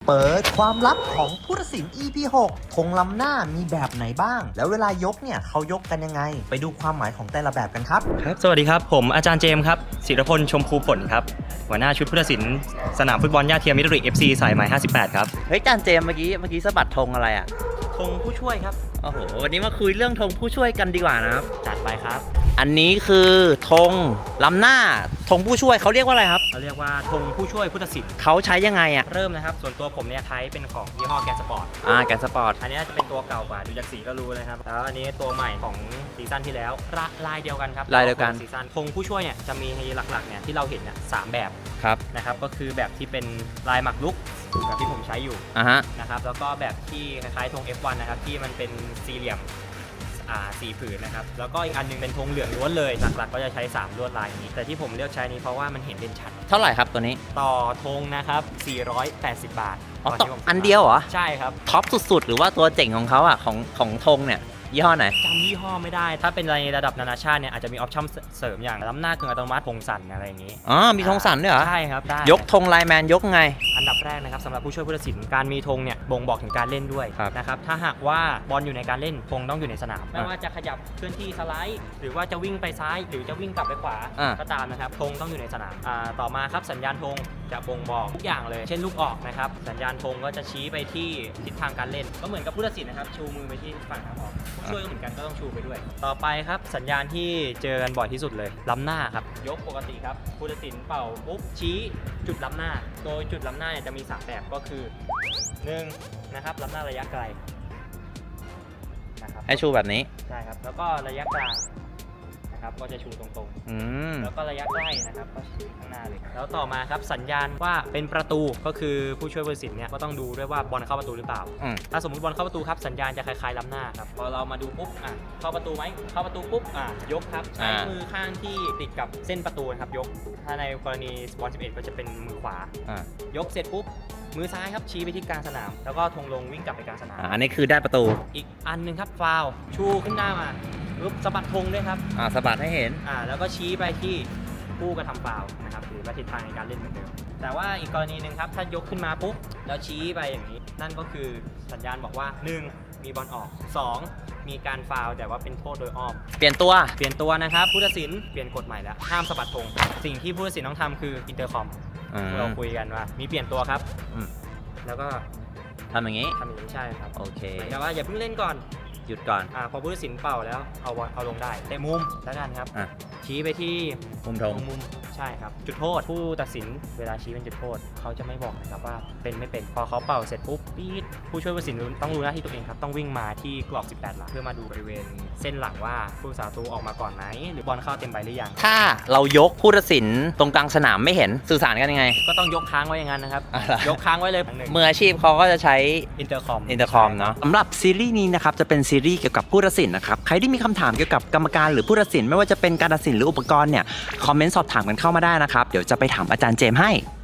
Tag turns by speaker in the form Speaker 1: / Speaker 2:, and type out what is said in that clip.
Speaker 1: เปิดความลับของผู้ตัดสิน EP 6ธงล้ำหน้ามีแบบไหนบ้าง แล้วเวลายกเนี่ยเขายกกันยังไงไปดูความหมายของแต่ละแบบกันครับ
Speaker 2: ครับสวัสดีครับผมอาจารย์เจมส์ครับศิรพลชมพูผลครับหัวหน้าชุดผู้ตัดสินสนามฟุตบอลย่าเทียมมิตร FC สายไหม58ครับ
Speaker 3: เฮ้ยจานเจมส์เมื่อกี้สะบัดธงอะไรอ่ะ
Speaker 2: ธงผู้ช่วยครับ
Speaker 3: โอ้โหวันนี้มาคุยเรื่องธงผู้ช่วยกันดีกว่านะครับ
Speaker 2: จัดไปครับ
Speaker 3: อันนี้คือธงล้ำหน้าธงผู้ช่วยเขาเรียกว่าอะไรครับ
Speaker 2: เราเรียกว่าธงผู้ช่วยผู้ตัดสิน
Speaker 3: เขาใช้ยังไงอ่ะ
Speaker 2: เริ่มนะครับส่วนตัวผมเนี่ยใช้เป็นของยี่ห้อแกนสปอร์ต
Speaker 3: แกนสปอร์ต
Speaker 2: อันนี้จะเป็นตัวเก่ากว่าดูจากสีก็รู้เลยครับแล้วอันนี้ตัวใหม่ของซีซั่นที่แล้วลายเดียวกันครับ
Speaker 3: ลายเดียวกัน
Speaker 2: ซีซั่นธงผู้ช่วยเนี่ยจะมีหลักๆเนี่ยที่เราเห็นเนี่ย3แบบ
Speaker 3: ครับ
Speaker 2: นะครับก็คือแบบที่เป็นลายหมักลุกแบบที่ผมใช้อยู่นะครับแล้วก็แบบที่คล้ายๆธง F1 นะครับที่มันเป็นสี่เหลี่ยม4 ผืนนะครับแล้วก็อีกอันนึงเป็นธงเหลืองล้วนเลยหลักๆก็จะใช้3ลวดลายนี้แต่ที่ผมเลือกใช้นี้เพราะว่ามันเห็นเด่นชัด
Speaker 3: เท่าไหร่ครับตัวนี้
Speaker 2: ต่อธงนะครับ480 บาท
Speaker 3: ต่ออันเดียวเหรอ
Speaker 2: ใช่ครับ
Speaker 3: ท็อปสุดๆหรือว่าตัวเจ๋งของเขาอ่ะของธงเนี่ยยี่ห้อไหน
Speaker 2: จำยี่ห้อไม่ได้ถ้าเป็นในระดับนานาชาติเนี่ยอาจจะมีออปชั่นเสริมอย่างล้ำหน้ากึ่งอัตโนมัติธงสั่นอะไรอย่างนี้
Speaker 3: มีธงสั่นด้วยเหรอ
Speaker 2: ใช่ครับได้
Speaker 3: ยกธงไลน์แมนยกไง
Speaker 2: อันดับแรกนะครับสำหรับผู้ช่วยผู้ตัดสินการมีธงเนี่ยบ่งบอกถึงการเล่นด้วยนะครับถ้าหากว่าบอลอยู่ในการเล่นธงต้องอยู่ในสนามไม่ว่าจะขยับเคลื่อนที่สไลด์หรือว่าจะวิ่งไปซ้ายหรือจะวิ่งกลับไปขวาก็ตามนะครับธงต้องอยู่ในสนามต่อมาครับสัญญาณธงจะบ่งบอกทุกอย่างเลยเช่นลูกออกนะครับสัญญาณธงก็จะชี้ไปที่ทิศทางการเล่นก็เหมือนกับผู้ตัดสินนะครับชูมือไปที่ฝั่งทางออกผู้ช่วยก็เหมือนกันก็ต้องชูไปด้วยต่อไปครับสัญญาณที่เจอกันบ่อยที่สุดเลยล้ำหน้าครับยกปกติครับผู้ตัดสินเป่าปุ๊บชี้จุดล้ำหน้าโดยจุดล้ำหน้าเนี่ยจะมี3แบบก็คือ1นะครับล้ำหน้าระยะไกล
Speaker 3: นะครับให้ชูแบบนี้
Speaker 2: ใช่ครับแล้วก็ระยะกลางนะครับก็จะชูตรงๆแล้วก็ระยะใกล้นะครับก็ชูข้างหน้าเลยแล้วต่อมาครับสัญญาณว่าเป็นประตูก็คือผู้ช่วยผู้ตัดสินเนี่ยก็ต้องดูด้วยว่าบอลเข้าประตูหรือเปล่าถ้าสมมติบอลเข้าประตูครับสัญญาณจะคล้ายๆล้ำหน้าครับพอเรามาดูปุ๊บเข้าประตูไหมเข้าประตูปุ๊บยกครับใช้มือข้างที่ติดกับเส้นประตูครับยกถ้าในกรณีบอล11ก็จะเป็นมือขวายกเสร็จปุ๊บมือซ้ายครับชี้ไปที่กลางสนามแล้วก็ธงลงวิ่งกลับไปกลางสนาม
Speaker 3: อันนี้คือได้ประตู
Speaker 2: อีกอันนึงครับฟาวชูขึ้นหน้ามาปุ๊บสะบัดธงด้วยครับ
Speaker 3: สะบัดให้เห็น
Speaker 2: แล้วก็ชี้ไปที่ผู้กระทำฟาวนะครับหรือว่าทิศทางในการเล่นเหมือนเดิมแต่ว่าอีกกรณีหนึ่งครับถ้ายกขึ้นมาปุ๊บแล้วชี้ไปอย่างนี้นั่นก็คือสัญญาณบอกว่า1มีบอลออก2มีการฟาวแต่ว่าเป็นโทษโดยอ้อม
Speaker 3: เปลี่ยนตัว
Speaker 2: นะครับผู้ตัดสินเปลี่ยนกฎใหม่แล้วห้ามสะบัดธงสิ่งที่ผู้ตัดสินต้องทำคืออินเตอร์คอมเราคุยกันว่ามีเปลี่ยนตัวครับแล้วก็
Speaker 3: ทำอย่างนี้
Speaker 2: ใช่ครับ
Speaker 3: โอเค
Speaker 2: แต่ว่าอย่าเพิ่งเล่นก่อน
Speaker 3: หยุดก่อน
Speaker 2: พอผู้ตัดสินเป่าแล้วเอาลงได้เตะมุมแล้วกันครับชี้ไปที่
Speaker 3: มุมธง
Speaker 2: ใช่ครับจุดโทษผู้ตัดสินเวลาชี้เป็นจุดโทษเขาจะไม่บอกนะครับว่าเป็นไม่เป็นพอเขาเป่าเสร็จปุ๊บปี๊ดผู้ช่วยผู้ตัดสินต้องรู้หน้าที่ตัวเองครับต้องวิ่งมาที่กรอบ18หลังเพื่อมาดูบริเวณเส้นหลังว่าผู้สาตูออกมาก่อนไหมหรือบอลเข้าเต็มใบหรือยัง
Speaker 3: ถ้าเรายกผู้ตัดสินตรงกลางสนามไม่เห็นสื่อสารกันยังไง
Speaker 2: ก็ต้องยกค้างไว้อย่างนั้นนะครับยกค้างไว้เลย
Speaker 3: มืออาชีพเขาก็จะใช้
Speaker 2: อินเตอร์คอม
Speaker 3: เนาะสำหรับซีรีส์นี้นะครับจะเป็นซีรีส์เกี่ยวกับผู้ตัดสินนะครับใครที่มีคำถามเกี่ยวกับกรรมการหรือผู้ตัดสินไม่ว่าจะเป็นการตัดสินหรืออุปกรณ์เนี่ยคอมเมนต์สอบถามกันเข้ามาได้นะครับเดี๋ยวจะไปถามอาจารย์เจมส์ให้